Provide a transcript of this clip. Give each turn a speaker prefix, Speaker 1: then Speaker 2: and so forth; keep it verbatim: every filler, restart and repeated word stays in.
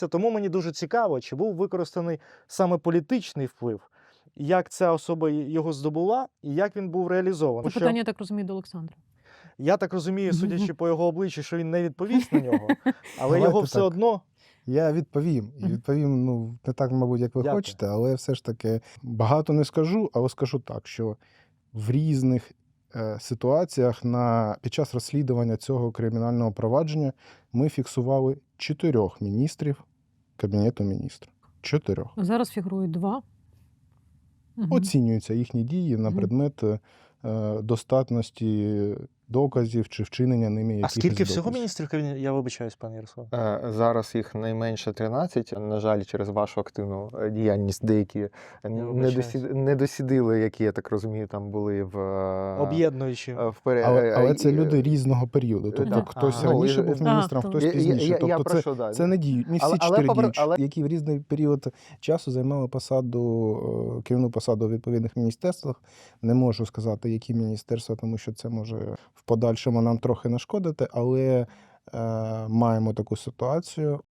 Speaker 1: Тому мені дуже цікаво, чи був використаний саме політичний вплив, як ця особа його здобула і як він був реалізований.
Speaker 2: Це
Speaker 1: Що,
Speaker 2: питання, я так розумію, до Олександра.
Speaker 1: я так розумію, судячи по його обличчю, що він не відповість на нього, але
Speaker 3: Давайте
Speaker 1: його все
Speaker 3: так.
Speaker 1: одно.
Speaker 3: Я відповім. І
Speaker 2: Мгм.
Speaker 3: відповім, ну, не так, мабуть, як ви
Speaker 1: Дякую.
Speaker 3: хочете, але все ж таки багато не скажу, але скажу так, що в різних е, ситуаціях на, під час розслідування цього кримінального провадження ми фіксували чотирьох міністрів Кабінету міністрів. Чотирьох.
Speaker 2: Зараз фігурують два. Мгм.
Speaker 3: Оцінюються їхні дії на
Speaker 2: Мгм.
Speaker 3: предмет е, достатності доказів чи вчинення ними
Speaker 1: А
Speaker 3: якихось
Speaker 1: скільки всього
Speaker 3: доказів.
Speaker 1: міністрів кабінету? Я вибачаюсь, пане Ярослав.
Speaker 4: Е, Зараз їх найменше тринадцять. На жаль, через вашу активну е, діяльність деякі не,
Speaker 1: вибачаюсь.
Speaker 4: досід... не досідили, які, я так розумію, там були в, е,
Speaker 1: Об'єднуючи.
Speaker 4: е, в пере...
Speaker 3: Але,
Speaker 4: е,
Speaker 3: але
Speaker 4: і-
Speaker 3: це люди різного періоду. Тобто
Speaker 4: так.
Speaker 3: хтось
Speaker 1: Ага.
Speaker 3: раніше
Speaker 4: Ну, і-
Speaker 3: був
Speaker 4: Ага,
Speaker 3: міністром,
Speaker 2: хто.
Speaker 3: хтось
Speaker 4: Я, я,
Speaker 3: пізніше.
Speaker 4: я, я
Speaker 3: Тобто
Speaker 4: про
Speaker 3: це,
Speaker 4: що, да.
Speaker 3: це не діють. Не всі
Speaker 4: Але- але
Speaker 3: чотири
Speaker 4: попри-
Speaker 3: діючі,
Speaker 4: але-
Speaker 3: які в різний період часу займали посаду, е, керівну посаду у відповідних міністерствах. Не можу сказати, які міністерства, тому що це може в подальшому нам трохи нашкодити, але е, маємо таку ситуацію.